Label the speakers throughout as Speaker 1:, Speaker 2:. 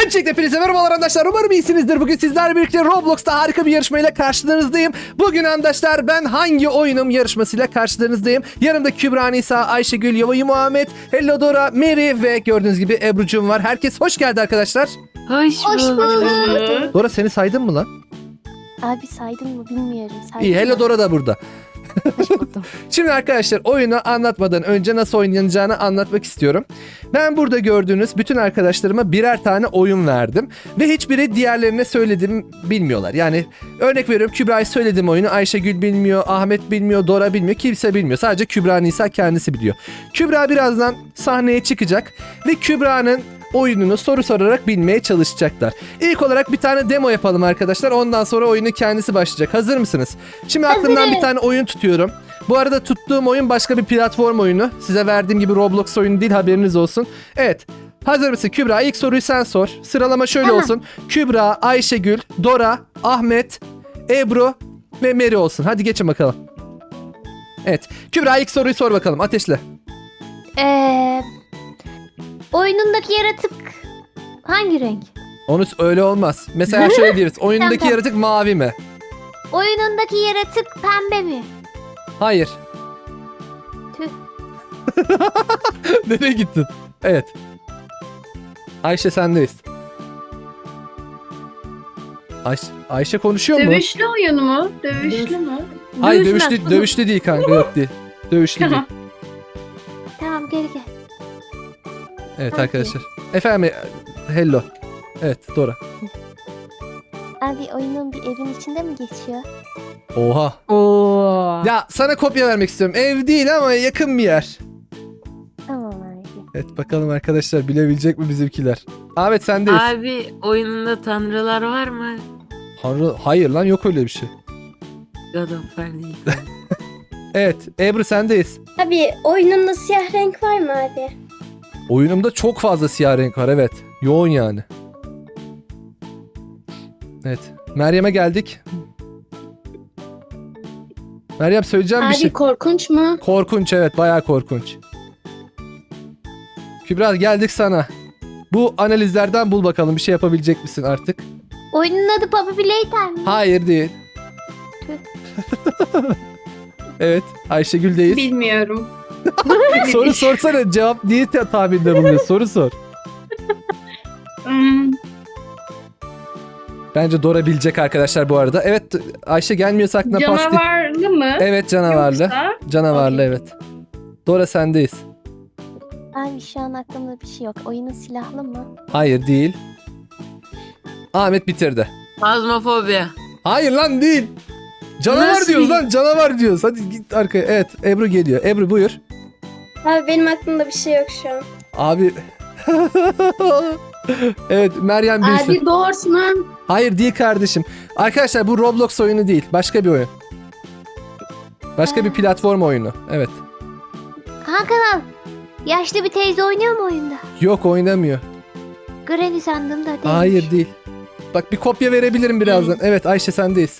Speaker 1: Öncelikle hepinize merhabalar arkadaşlar. Umarım iyisinizdir. Bugün sizlerle birlikte Roblox'ta harika bir yarışmayla karşılarınızdayım. Bugün arkadaşlar ben hangi oyunum yarışmasıyla karşılarınızdayım. Yanımda Kübra, Nisa, Ayşegül, Yova'yı, Muhammed, Hello Dora, Mary ve gördüğünüz gibi Ebru'cum var. Herkes hoş geldi arkadaşlar.
Speaker 2: Hoş bulduk.
Speaker 1: Dora seni saydım mı lan?
Speaker 3: Abi saydın mı bilmiyorum. Saydın
Speaker 1: İyi, Hello
Speaker 3: mı?
Speaker 1: Dora da burada.
Speaker 3: Hoş buldum.
Speaker 1: Şimdi arkadaşlar oyunu anlatmadan önce nasıl oynanacağını anlatmak istiyorum. Ben burada gördüğünüz bütün arkadaşlarıma birer tane oyun verdim. Ve hiçbiri diğerlerine söylediğimi bilmiyorlar. Yani örnek veriyorum, Kübra'ya söylediğim oyunu Ayşegül bilmiyor, Ahmet bilmiyor, Dora bilmiyor, kimse bilmiyor. Sadece Kübra Nisa kendisi biliyor. Kübra birazdan sahneye çıkacak ve Kübra'nın oyununu soru sorarak bilmeye çalışacaklar. İlk olarak bir tane demo yapalım arkadaşlar. Ondan sonra oyunu kendisi başlayacak. Hazır mısınız? Şimdi aklımdan bir tane oyun tutuyorum. Bu arada tuttuğum oyun başka bir platform oyunu. Size verdiğim gibi Roblox oyunu değil, haberiniz olsun. Evet. Hazır mısın Kübra? İlk soruyu sen sor. Sıralama şöyle olsun. Kübra, Ayşegül, Dora, Ahmet, Ebru ve Mary olsun. Hadi geçin bakalım. Evet. Kübra ilk soruyu sor bakalım. Ateşle.
Speaker 3: Oyunundaki yaratık hangi renk?
Speaker 1: Onu öyle olmaz. Mesela şöyle deriz. Oyundaki
Speaker 3: Tamam.
Speaker 1: yaratık mavi mi?
Speaker 3: Oyunundaki yaratık pembe mi?
Speaker 1: Hayır.
Speaker 3: Tüh.
Speaker 1: Nereye gittin? Evet. Ayşe sendeyiz. Ayşe konuşuyor mu?
Speaker 2: Dövüşlü oyun mu? Dövüşlü mü?
Speaker 1: Hayır,
Speaker 2: Dövüşmez.
Speaker 1: dövüşlü değil kanka, yok değil. Dövüşlü değil.
Speaker 3: Tamam gel gel.
Speaker 1: Evet
Speaker 3: Hadi.
Speaker 1: arkadaşlar. Efendim, hello. Evet, Dora.
Speaker 3: Abi oyunun bir evin içinde mi geçiyor?
Speaker 1: Oha.
Speaker 2: Oo.
Speaker 1: Ya sana kopya vermek istiyorum. Ev değil ama yakın bir yer.
Speaker 3: Tamam abi.
Speaker 1: Evet, bakalım arkadaşlar bilebilecek mi bizimkiler? Ahmet sendeyiz.
Speaker 4: Abi oyununda tanrılar var mı?
Speaker 1: Hayır lan, yok öyle bir şey.
Speaker 4: God of War değil.
Speaker 1: Evet, Ebru sendeyiz.
Speaker 5: Abi oyununda siyah renk var mı abi?
Speaker 1: Oyunumda çok fazla siyah renk var, evet. Yoğun yani. Evet. Meryem'e geldik. Meryem, söyleyeceğim bir
Speaker 5: Abi
Speaker 1: şey.
Speaker 5: korkunç mu?
Speaker 1: Korkunç, evet, bayağı korkunç. Kübra geldik sana. Bu analizlerden bul bakalım, bir şey yapabilecek misin artık?
Speaker 3: Oyunun adı Puppy Playtime mi?
Speaker 1: Hayır, değil. Evet, Ayşegül'deyiz.
Speaker 2: Bilmiyorum.
Speaker 1: Soru sorsana, cevap niye tahminde bulunuyor? Soru sor.
Speaker 2: Hmm,
Speaker 1: Bence Dora bilecek arkadaşlar bu arada. Evet, Ayşe gelmiyorsa aklına pasti.
Speaker 2: canavarlı mı?
Speaker 1: Evet, canavarlı.
Speaker 2: Yoksa?
Speaker 1: Canavarlı,
Speaker 2: Okey.
Speaker 1: evet. Dora sendeyiz.
Speaker 3: Abi şu an aklımda bir şey yok. Oyunun silahlı mı?
Speaker 1: Hayır, değil. Ahmet bitirdi.
Speaker 4: Fazmafobi.
Speaker 1: Hayır lan, değil. Canavar
Speaker 4: Nasıl
Speaker 1: diyoruz
Speaker 4: değil?
Speaker 1: lan, canavar diyoruz. Hadi git arkaya. Evet, Ebru geliyor. Ebru buyur.
Speaker 5: Abi benim aklımda bir şey yok şu an.
Speaker 1: Abi. Evet, Meryem bilsin.
Speaker 5: Abi doğursun.
Speaker 1: Hayır, değil kardeşim. Arkadaşlar bu Roblox oyunu değil. Başka bir oyun. Başka bir platform oyunu. Evet.
Speaker 3: Hakan yaşlı bir teyze oynuyor mu oyunda?
Speaker 1: Yok, oynamıyor.
Speaker 3: Granny sandım da değil.
Speaker 1: Hayır, değil. Bak, bir kopya verebilirim birazdan. Evet, Ayşe sendeyiz.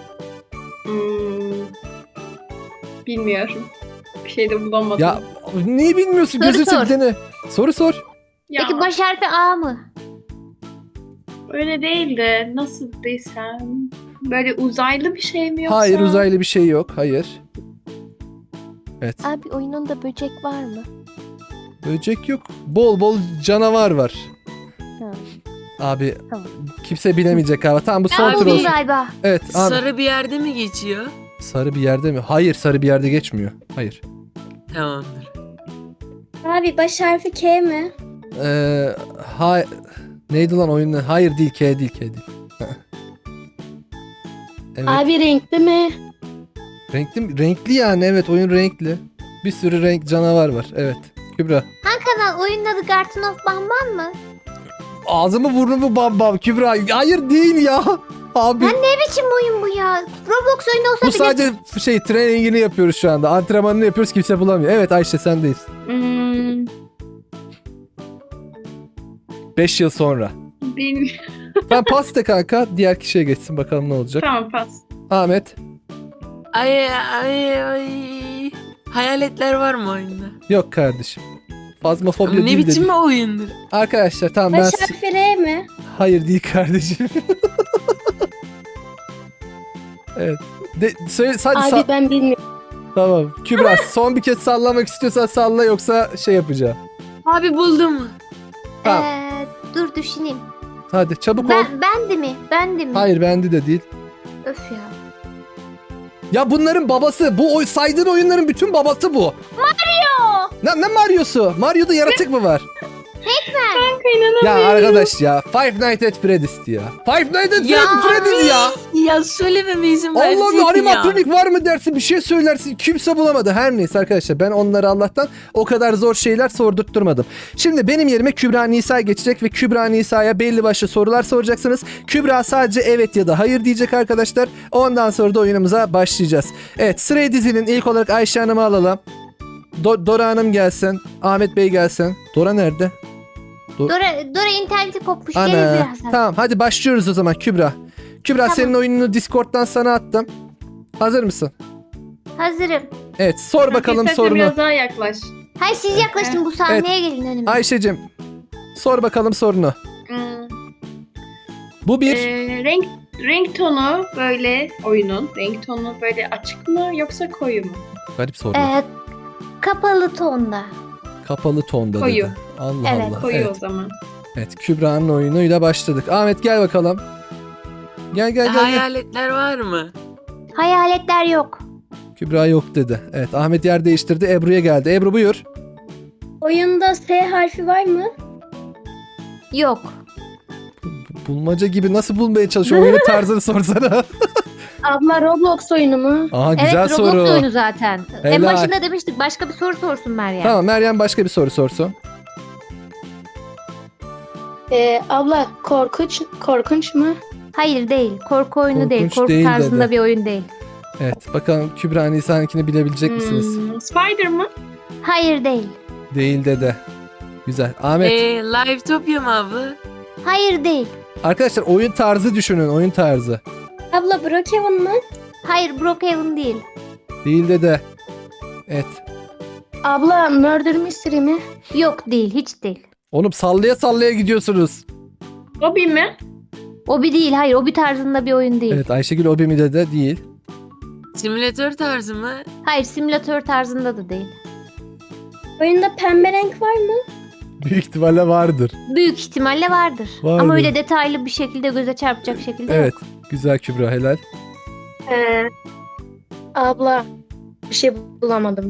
Speaker 2: Hmm, bilmiyorum. Bir şey de bulamadım.
Speaker 1: Ya niye bilmiyorsun?
Speaker 3: Soru
Speaker 1: Gözünü
Speaker 3: sor.
Speaker 1: seveyim, dene. Soru sor.
Speaker 2: Ya,
Speaker 3: Peki baş harfi A mı?
Speaker 2: öyle değil de nasıl desem. Böyle uzaylı bir şey mi yoksa?
Speaker 1: Hayır, uzaylı bir şey yok. Hayır. Evet.
Speaker 3: Abi oyununda böcek var mı?
Speaker 1: Böcek yok. Bol bol canavar var.
Speaker 3: Ha.
Speaker 1: Abi
Speaker 3: Tamam.
Speaker 1: kimse bilemeyecek abi. Tamam, bu son
Speaker 4: Abi,
Speaker 1: tur
Speaker 3: Buldum
Speaker 1: olsun.
Speaker 3: galiba.
Speaker 1: Evet abi.
Speaker 4: Sarı bir yerde mi geçiyor?
Speaker 1: Sarı bir yerde mi? Hayır, sarı bir yerde geçmiyor. Hayır.
Speaker 4: Tamamdır.
Speaker 5: Abi baş harfi K mi?
Speaker 1: Ha neydi lan oyunun? Hayır, değil, K değil, K değil. Evet.
Speaker 5: Abi renkli mi?
Speaker 1: Renkli yani, evet, oyun renkli. Bir sürü renk canavar var. Evet. Kübra.
Speaker 3: Kanal oyunun adı Garden of Bamban mı?
Speaker 1: Ağzımı burnumu bam bam Kübra. Hayır, değil ya. Abi.
Speaker 3: Ne biçim oyun bu ya? Roblox oyunu olsa
Speaker 1: Bu
Speaker 3: bile...
Speaker 1: sadece trainingini yapıyoruz şu anda. Antrenmanını yapıyoruz, kimse bulamıyor. Evet Ayşe sendeyiz.
Speaker 2: Hmm,
Speaker 1: 5 yıl sonra.
Speaker 2: bilmiyorum.
Speaker 1: Ben pas de kanka. Diğer kişiye geçsin, bakalım ne olacak.
Speaker 2: Tamam pas.
Speaker 1: Ahmet.
Speaker 4: Ay. Hayaletler var mı oyunda?
Speaker 1: Yok kardeşim. Fazmafobya
Speaker 4: Ne
Speaker 1: değil
Speaker 4: biçim
Speaker 1: dedik.
Speaker 4: bir oyundur?
Speaker 1: Arkadaşlar tamam ben...
Speaker 5: Baş harfi R mi?
Speaker 1: Hayır değil kardeşim. Evet. Hadi
Speaker 5: Abi ben bilmiyorum.
Speaker 1: tamam. Kübra son bir kez sallamak istiyorsan salla yoksa şey yapacağım.
Speaker 4: Abi buldum.
Speaker 1: Tamam.
Speaker 3: Dur düşüneyim.
Speaker 1: Hadi çabuk ol.
Speaker 3: Ben de mi? Ben de mi?
Speaker 1: Hayır bende de değil.
Speaker 3: Öf ya.
Speaker 1: Ya bunların babası. Bu saydığın oyunların bütün babası bu.
Speaker 3: Mario.
Speaker 1: Ne Mario'su? Mario'da yaratık mı var?
Speaker 2: Kanka inanamıyorum.
Speaker 1: Ya arkadaş ya. Five Nights at Freddy's ya. Five Nights at
Speaker 4: Ya
Speaker 1: Freddy's ya.
Speaker 4: Ya söylememe izin verseydin
Speaker 1: Allah'ım
Speaker 4: ya.
Speaker 1: animatronik var mı dersin, bir şey söylersin, kimse bulamadı. Her neyse arkadaşlar, ben onları Allah'tan o kadar zor şeyler sordurtturmadım. Şimdi benim yerime Kübra Nisa geçecek ve Kübra Nisa'ya belli başlı sorular soracaksınız. Kübra sadece evet ya da hayır diyecek arkadaşlar. Ondan sonra da oyunumuza başlayacağız. Evet, sırayı dizinin ilk olarak Ayşe Hanım'ı alalım. Dora Hanım gelsin. Ahmet Bey gelsin. Dora nerede?
Speaker 3: Dora interneti kopmuş. Gelir
Speaker 1: Ana.
Speaker 3: birazdan.
Speaker 1: Tamam hadi başlıyoruz o zaman Kübra. Kübra
Speaker 3: Tamam.
Speaker 1: senin oyununu Discord'dan sana attım. Hazır mısın?
Speaker 3: Hazırım.
Speaker 1: Evet sor bakalım
Speaker 2: İstersen
Speaker 1: sorunu.
Speaker 2: biraz daha yaklaş.
Speaker 3: Hayır siz yaklaşın bu sahneye gelin önüme.
Speaker 1: Ayşe'cim sor bakalım sorunu.
Speaker 2: Hmm.
Speaker 1: Bu bir
Speaker 2: Renk tonu böyle oyunun. Renk tonu böyle açık mı yoksa koyu mu?
Speaker 1: garip soru.
Speaker 3: Kapalı tonda.
Speaker 1: Kapalı tonda
Speaker 2: Koyu.
Speaker 1: dedi. Allah
Speaker 3: Evet,
Speaker 1: Allah.
Speaker 2: Koyu
Speaker 1: Evet.
Speaker 2: o zaman.
Speaker 1: Evet Kübra'nın oyunuyla başladık. Ahmet gel bakalım. Gel.
Speaker 4: Hayaletler var mı?
Speaker 3: Hayaletler yok.
Speaker 1: Kübra yok dedi. Evet Ahmet yer değiştirdi. Ebru'ya geldi. Ebru buyur.
Speaker 5: Oyunda S harfi var mı?
Speaker 3: Yok.
Speaker 1: Bulmaca gibi nasıl bulmaya çalışıyor? Oyunun tarzını sorsana.
Speaker 5: Abla Roblox oyunu mu?
Speaker 1: Aha güzel
Speaker 3: Evet
Speaker 1: soru.
Speaker 3: Roblox oyunu zaten. En
Speaker 1: Helal.
Speaker 3: başında demiştik başka bir soru sorsun Meryem.
Speaker 1: Tamam Meryem başka bir soru sorsun.
Speaker 5: Abla korkunç mu?
Speaker 3: Hayır değil. Korku oyunu değil.
Speaker 1: Korkunç
Speaker 3: Korku
Speaker 1: değil
Speaker 3: tarzında
Speaker 1: dedi.
Speaker 3: bir oyun değil.
Speaker 1: Evet bakalım Kübra Nisa'nınkini bilebilecek misiniz?
Speaker 2: Spider mı?
Speaker 3: Hayır değil.
Speaker 1: Değil dedi. Güzel. Ahmet.
Speaker 4: Livetopia mı abla?
Speaker 3: Hayır değil.
Speaker 1: Arkadaşlar oyun tarzı düşünün. Oyun tarzı.
Speaker 5: Abla Brookhaven mı?
Speaker 3: Hayır Brookhaven değil.
Speaker 1: Değil dedi. Evet.
Speaker 5: Abla Murder Mystery mi?
Speaker 3: Yok değil. Hiç değil.
Speaker 1: Oğlum sallaya sallaya gidiyorsunuz.
Speaker 2: Hobby mi?
Speaker 3: O bir değil. Hayır o bir tarzında bir oyun değil.
Speaker 1: Evet Ayşegül Obi de değil.
Speaker 4: Simülatör tarzı mı?
Speaker 3: Hayır simülatör tarzında da değil.
Speaker 5: Oyunda pembe renk var mı?
Speaker 1: Büyük ihtimalle vardır.
Speaker 3: Büyük ihtimalle vardır.
Speaker 1: Vardır.
Speaker 3: Ama öyle detaylı bir şekilde göze çarpacak şekilde
Speaker 1: Evet.
Speaker 3: yok.
Speaker 1: Güzel Kübra helal.
Speaker 5: Abla bir şey bulamadım.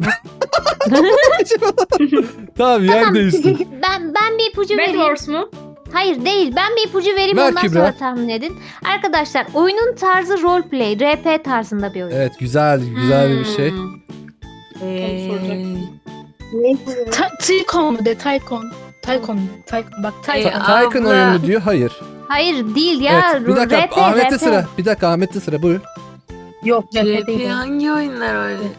Speaker 1: Tamam yer
Speaker 3: Tamam.
Speaker 1: değişti.
Speaker 3: Ben bir ipucu
Speaker 2: Bad
Speaker 3: vereyim.
Speaker 2: Horse mu?
Speaker 3: Hayır değil. Ben bir ipucu vereyim
Speaker 1: Ver
Speaker 3: ondan
Speaker 1: Kübra.
Speaker 3: sonra tahmin edin. Arkadaşlar oyunun tarzı roleplay, RP tarzında bir oyun.
Speaker 1: Evet güzel bir şey.
Speaker 6: Tycoon mu de Tycoon. Tycoon. Bak Tycoon.
Speaker 1: Tycoon
Speaker 4: abla.
Speaker 1: oyunu diyor. Hayır.
Speaker 3: Hayır değil ya.
Speaker 1: Evet. Bir dakika
Speaker 3: RP,
Speaker 1: Ahmet'te
Speaker 3: RP.
Speaker 1: sıra. Bir dakika Ahmet'te sıra. Buyur.
Speaker 6: Yok cephe
Speaker 4: RP
Speaker 6: değil.
Speaker 4: hangi oyunlar öyle?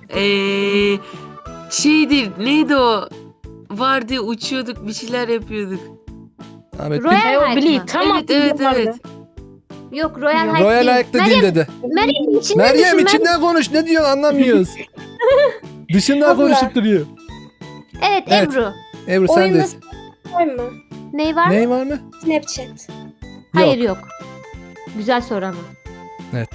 Speaker 4: Şeydir neydi o? Vardı uçuyorduk bir şeyler yapıyorduk.
Speaker 1: Ahmet
Speaker 3: Royal
Speaker 6: O
Speaker 3: Hike
Speaker 6: Bleed.
Speaker 3: mı?
Speaker 6: Tamam.
Speaker 4: Evet.
Speaker 3: Yok Royal Hike
Speaker 1: Royal
Speaker 3: değil.
Speaker 1: Hike'da değil dedi.
Speaker 3: Meryem içinden
Speaker 1: Meryem
Speaker 3: düşün,
Speaker 1: içinden konuş. Ne diyorsun anlamıyoruz. Dışından
Speaker 5: Abla.
Speaker 1: konuşup duruyor.
Speaker 3: Evet,
Speaker 1: Evet.
Speaker 3: Ebru.
Speaker 1: Ebru
Speaker 5: Oyunda
Speaker 1: sendeyiz.
Speaker 5: var mı?
Speaker 3: Ney var?
Speaker 1: Ney var mı?
Speaker 5: Snapchat.
Speaker 3: Hayır yok. Güzel soru ama.
Speaker 1: Evet.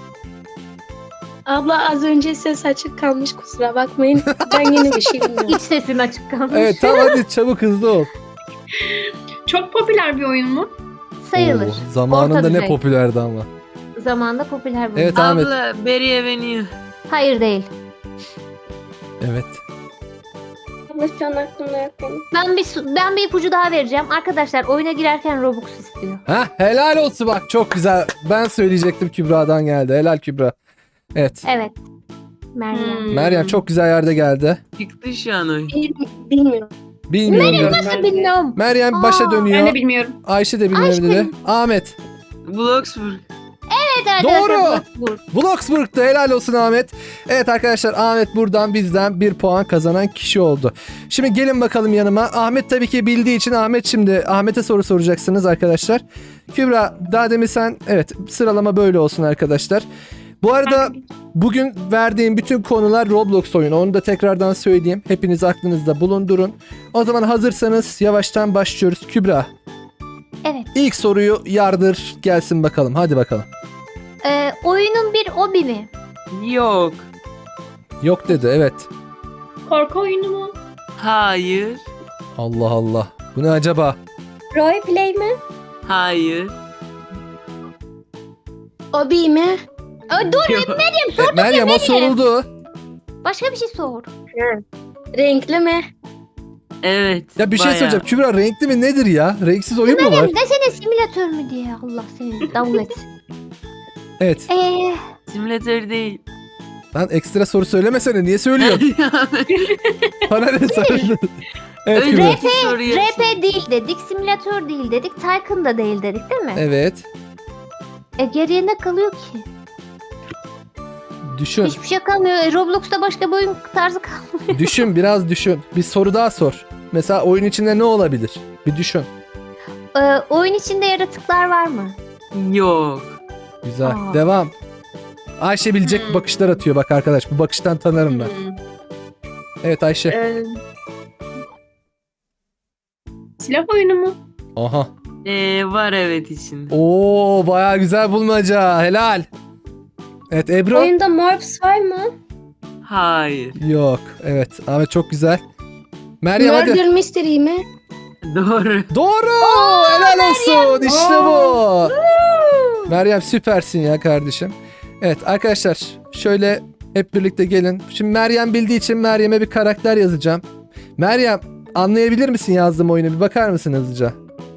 Speaker 5: Abla az önce ses açık kalmış kusura bakmayın. Ben yine bir şey bilmiyorum.
Speaker 3: İç sesin açık kalmış.
Speaker 1: Evet tamam hadi çabuk hızlı ol.
Speaker 2: Çok popüler bir oyun mu?
Speaker 3: Sayılır.
Speaker 1: Oo, zamanında
Speaker 3: Orta
Speaker 1: ne
Speaker 3: düzey.
Speaker 1: popülerdi ama.
Speaker 3: Zamanında popüler bir oyun.
Speaker 1: Evet Ahmet.
Speaker 4: Abla Berry Avenue.
Speaker 3: Hayır değil.
Speaker 1: Evet.
Speaker 5: Abla şu an aklımda yok benim.
Speaker 3: Ben bir ipucu daha vereceğim. Arkadaşlar oyuna girerken Robux istiyor.
Speaker 1: Ha helal olsun bak çok güzel. Ben söyleyecektim Kübra'dan geldi. Helal Kübra. Evet.
Speaker 3: Evet. Meryem.
Speaker 1: Meryem çok güzel yerde geldi.
Speaker 4: Çıktı şu an oyun.
Speaker 5: Bilmiyorum.
Speaker 1: Bilmiyorum. dedi.
Speaker 3: Nasıl bilmiyorum.
Speaker 1: Meryem başa
Speaker 3: Aa,
Speaker 1: dönüyor.
Speaker 2: Ben de bilmiyorum.
Speaker 1: Ayşe de bilmiyorum
Speaker 3: Ayşe
Speaker 1: dedi. Ahmet.
Speaker 4: Bloxburg.
Speaker 3: Evet arkadaşlar.
Speaker 1: Doğru.
Speaker 3: Bloxburg.
Speaker 1: Bloxburg'da helal olsun Ahmet. Evet arkadaşlar Ahmet buradan bizden 1 puan kazanan kişi oldu. Şimdi gelin bakalım yanıma. Ahmet tabii ki bildiği için Ahmet'e soru soracaksınız arkadaşlar. Kübra daha demin sen evet sıralama böyle olsun arkadaşlar. Bu arada bugün verdiğim bütün konular Roblox oyunu. Onu da tekrardan söyleyeyim. Hepiniz aklınızda bulundurun. O zaman hazırsanız yavaştan başlıyoruz. Kübra,
Speaker 3: Evet.
Speaker 1: ilk soruyu yardır gelsin bakalım. Hadi bakalım.
Speaker 3: Oyunun bir obi mi?
Speaker 4: Yok.
Speaker 1: Yok dedi, evet.
Speaker 2: Korku oyunu mu?
Speaker 4: Hayır.
Speaker 1: Allah Allah. Bu ne acaba?
Speaker 5: Roleplay mi?
Speaker 4: Hayır.
Speaker 5: Obi mi?
Speaker 3: Dur,
Speaker 4: Yok.
Speaker 1: Meryem o soruldu.
Speaker 3: başka bir şey sor.
Speaker 5: Renkli mi?
Speaker 4: Evet.
Speaker 1: Ya bir şey
Speaker 4: bayağı.
Speaker 1: söyleyeceğim. Kübra renkli mi nedir ya? Renksiz oyun mu var?
Speaker 3: Meryem desene simülatör mü diye. Allah seni davul etsin.
Speaker 1: Evet.
Speaker 4: Simülatör değil.
Speaker 1: Lan ekstra soru söylemesene. Niye söylüyorsun? Bana ne söylüyorsun? Evet Kübra.
Speaker 4: Önceki soruyu.
Speaker 3: RP değil dedik, simülatör değil dedik, Tycoon da değil dedik değil mi?
Speaker 1: Evet.
Speaker 3: Geriye ne kalıyor ki?
Speaker 1: Düşün.
Speaker 3: Hiçbir şey kalmıyor. Roblox'ta başka bir oyun tarzı kalmıyor.
Speaker 1: Düşün, biraz düşün. Bir soru daha sor. Mesela oyun içinde ne olabilir? Bir düşün.
Speaker 3: Oyun içinde yaratıklar var mı?
Speaker 4: Yok.
Speaker 1: Güzel.
Speaker 3: Aa.
Speaker 1: Devam. Ayşe bilecek bakışlar atıyor bak arkadaş. Bu bakıştan tanırım ben. Evet Ayşe.
Speaker 2: Silah oyunu mu?
Speaker 1: Aha.
Speaker 4: Var evet içinde.
Speaker 1: Oo bayağı güzel bulmaca. Helal. Evet Ebru.
Speaker 5: Oyunda Morphs var mı?
Speaker 4: Hayır.
Speaker 1: Yok. Evet. Ahmet çok güzel. Meryem hadi.
Speaker 5: Murder Mystery mi?
Speaker 4: Doğru.
Speaker 1: Doğru. Helal olsun. İşte bu. Meryem süpersin ya kardeşim. Evet arkadaşlar şöyle hep birlikte gelin. Şimdi Meryem bildiği için Meryem'e bir karakter yazacağım. Meryem anlayabilir misin yazdığım oyunu? Bir bakar mısın hızlıca?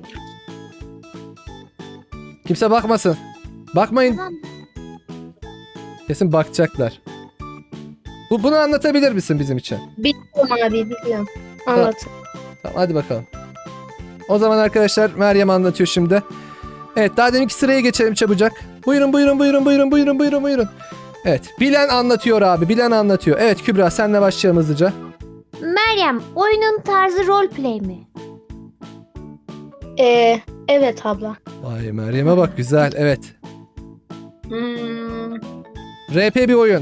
Speaker 1: Kimse bakmasın. Bakmayın.
Speaker 3: Tamam.
Speaker 1: Kesin bakacaklar. Bunu anlatabilir misin bizim için?
Speaker 5: Biliyorum abi biliyorum. Anlat.
Speaker 1: Tamam hadi bakalım. O zaman arkadaşlar Meryem anlatıyor şimdi. Evet daha deminki sıraya geçelim çabucak. Buyurun. Evet bilen anlatıyor abi, bilen anlatıyor. Evet Kübra senle başlayalım hızlıca.
Speaker 3: Meryem, oyunun tarzı roleplay mi?
Speaker 5: Evet abla.
Speaker 1: Vay Meryem'e bak güzel, evet.
Speaker 2: Hmm,
Speaker 1: RP bir oyun.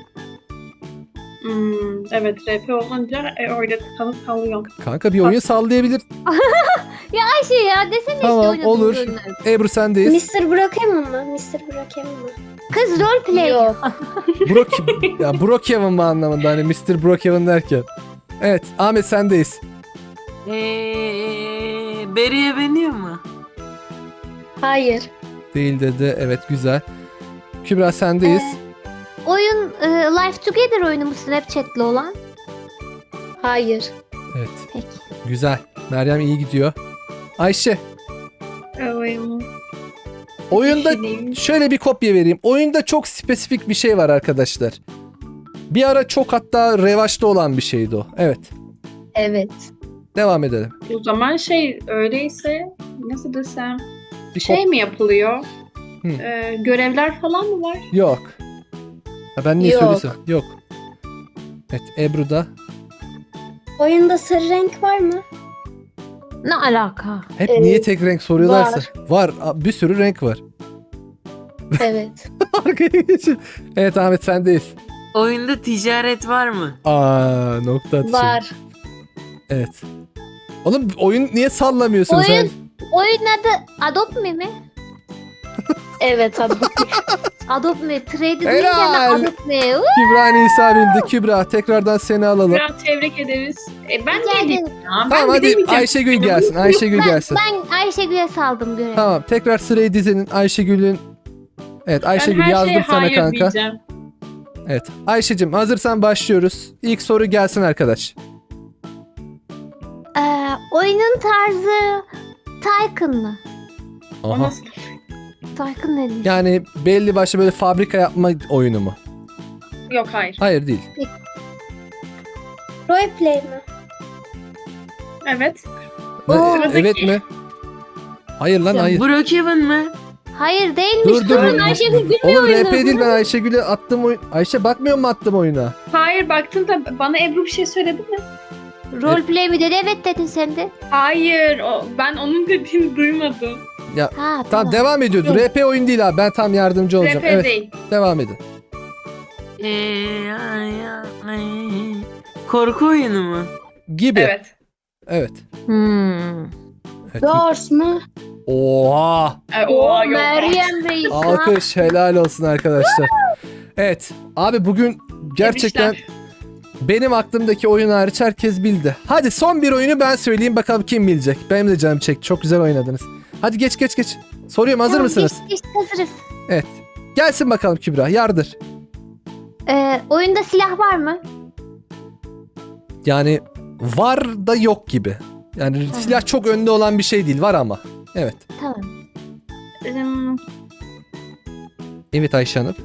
Speaker 2: evet RP olunca öyle tıkanıp kalıyor.
Speaker 1: Kanka bir oyun sallayabilir.
Speaker 3: Ayşe ya desene
Speaker 1: Tamam,
Speaker 3: işte oynadığın
Speaker 1: olur.
Speaker 3: oyunu.
Speaker 1: Ebru sendeyiz.
Speaker 5: Mr. Brookhaven mı? Mr. Brookhaven mı?
Speaker 3: Kız roleplay.
Speaker 5: Yok.
Speaker 1: Ya Brookhaven mı anlamında hani Mr. Brookhaven derken. Evet Ahmet sendeyiz.
Speaker 4: Beriye beniyor mu?
Speaker 5: Hayır.
Speaker 1: Değil dedi, evet güzel. Kübra sendeyiz.
Speaker 3: Oyun Life Together oyunu mu Snapchat'li olan?
Speaker 5: Hayır.
Speaker 1: Evet
Speaker 3: Peki.
Speaker 1: güzel. Meryem iyi gidiyor. Ayşe oyunda
Speaker 2: Düşüneyim.
Speaker 1: şöyle bir kopya vereyim. Oyunda çok spesifik bir şey var arkadaşlar. Bir ara çok hatta revaçta olan bir şeydi o. Evet.
Speaker 5: Evet.
Speaker 1: Devam edelim.
Speaker 2: O zaman öyleyse nasıl desem
Speaker 1: Bir kop-
Speaker 2: mi yapılıyor?
Speaker 1: Hı.
Speaker 2: Görevler falan mı var?
Speaker 1: Yok. Ha, ben niye
Speaker 5: Yok.
Speaker 1: söylesem? Yok. Evet Ebru'da.
Speaker 5: Oyunda sarı renk var mı?
Speaker 3: Ne alaka?
Speaker 1: Hep
Speaker 5: Evet.
Speaker 1: niye tek renk soruyorlarsa. Var. Bir sürü renk var.
Speaker 5: Evet.
Speaker 1: Arkaya geçin. Evet Ahmet sendeyiz.
Speaker 4: Oyunda ticaret var mı?
Speaker 1: Nokta atışı.
Speaker 5: Var.
Speaker 1: Evet. Oğlum oyun niye sallamıyorsun sen?
Speaker 3: Oyun adı Adopt Me mi?
Speaker 5: Evet abla.
Speaker 3: Adopt Me. Trade
Speaker 1: Helal.
Speaker 3: edince Adopt Me.
Speaker 1: Kübra Nisa bildi. Kübra tekrardan seni alalım.
Speaker 2: Biraz tebrik ederiz. Ben
Speaker 3: Rica
Speaker 2: de
Speaker 3: ederim.
Speaker 2: ya.
Speaker 1: Tamam hadi Ayşegül gelsin. Ayşegül gelsin.
Speaker 3: Ben Ayşegül'e saldım görevi.
Speaker 1: Tamam tekrar sırayı dizinin Ayşegül'ün. Evet Ayşegül yazdım sana kanka.
Speaker 2: Diyeceğim.
Speaker 1: Evet Ayşe'cim hazırsan başlıyoruz. İlk soru gelsin arkadaş.
Speaker 3: Oyunun tarzı Tycoon mı?
Speaker 2: O
Speaker 1: Aha.
Speaker 2: nasıl?
Speaker 3: Tycoon ne diyor?
Speaker 1: Yani belli başlı böyle fabrika yapma oyunu mu?
Speaker 2: Yok hayır.
Speaker 1: Hayır değil.
Speaker 5: Roleplay mi?
Speaker 2: Evet.
Speaker 1: Ne-
Speaker 2: Sıradaki.
Speaker 1: evet mi? Hayır lan hayır.
Speaker 4: Brookhaven mı?
Speaker 3: Hayır değilmiş.
Speaker 1: Dur, dur.
Speaker 3: Durun Ayşegül bilmiyor
Speaker 1: Oğlum
Speaker 3: oyunu.
Speaker 1: RP değil ben Ayşegül'e attım oyun. Ayşe bakmıyor mu attım oyuna?
Speaker 2: Hayır baktın da bana Ebru bir şey söyledi mi?
Speaker 3: Roleplay mi dedi? Evet dedin sen de.
Speaker 2: Hayır. Ben onun dediğini duymadım.
Speaker 1: Ya
Speaker 3: Ha,
Speaker 1: tamam devam ediyordu.
Speaker 6: Yok.
Speaker 1: RP oyun değil abi. Ben tam yardımcı olacağım.
Speaker 2: RP
Speaker 1: Evet,
Speaker 2: değil.
Speaker 1: devam edin.
Speaker 4: Korku oyunu mu?
Speaker 1: Gibi.
Speaker 2: Evet.
Speaker 1: Evet.
Speaker 3: Hmm.
Speaker 1: Evet.
Speaker 5: Doors mu?
Speaker 1: Oha!
Speaker 2: Oha, yok.
Speaker 3: Meryem Reis. ha?
Speaker 1: Alkış, helal olsun arkadaşlar. Evet. Abi bugün gerçekten
Speaker 2: Tebrikler.
Speaker 1: benim aklımdaki oyun hariç herkes bildi. Hadi son bir oyunu ben söyleyeyim bakalım kim bilecek. Benim de canım çekti. Çok güzel oynadınız. Hadi geç. Soruyorum, hazır
Speaker 3: Tamam,
Speaker 1: mısınız?
Speaker 3: Geç, hazırız.
Speaker 1: Evet. Gelsin bakalım Kübra. Yardır.
Speaker 3: Oyunda silah var mı?
Speaker 1: Yani var da yok gibi. Yani silah çok önde olan bir şey değil. Var ama. Evet.
Speaker 3: Tamam.
Speaker 2: Hmm,
Speaker 1: Evet Ayşe Hanım.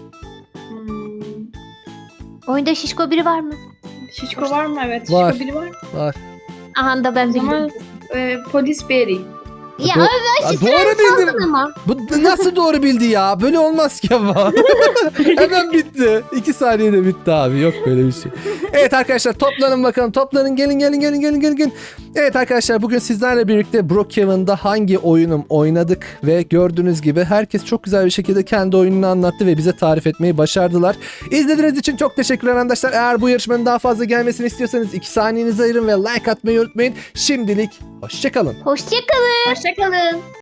Speaker 3: Oyunda şişko biri var mı?
Speaker 2: Şişko var mı? Evet.
Speaker 1: Var.
Speaker 2: Şişko biri var.
Speaker 1: Var.
Speaker 3: Aha da ben
Speaker 2: O zaman
Speaker 3: biliyorum.
Speaker 2: polis Berry.
Speaker 3: Ya
Speaker 1: Do-
Speaker 3: öyle
Speaker 1: Aa,
Speaker 3: işte
Speaker 1: doğru bildim.
Speaker 3: ama.
Speaker 1: Bu nasıl doğru bildi ya? Böyle olmaz ki ama. Hemen bitti. 2 saniyede bitti abi. Yok böyle bir şey. Evet arkadaşlar toplanın bakalım. Toplanın gelin. Evet arkadaşlar bugün sizlerle birlikte Brookhaven'da hangi oyunum oynadık ve gördüğünüz gibi herkes çok güzel bir şekilde kendi oyununu anlattı ve bize tarif etmeyi başardılar. İzlediğiniz için çok teşekkürler arkadaşlar. Eğer bu yarışmanın daha fazla gelmesini istiyorsanız 2 saniyenizi ayırın ve like atmayı unutmayın. Şimdilik hoşçakalın.
Speaker 3: Hoşçakalın.
Speaker 2: Hoşçakalın.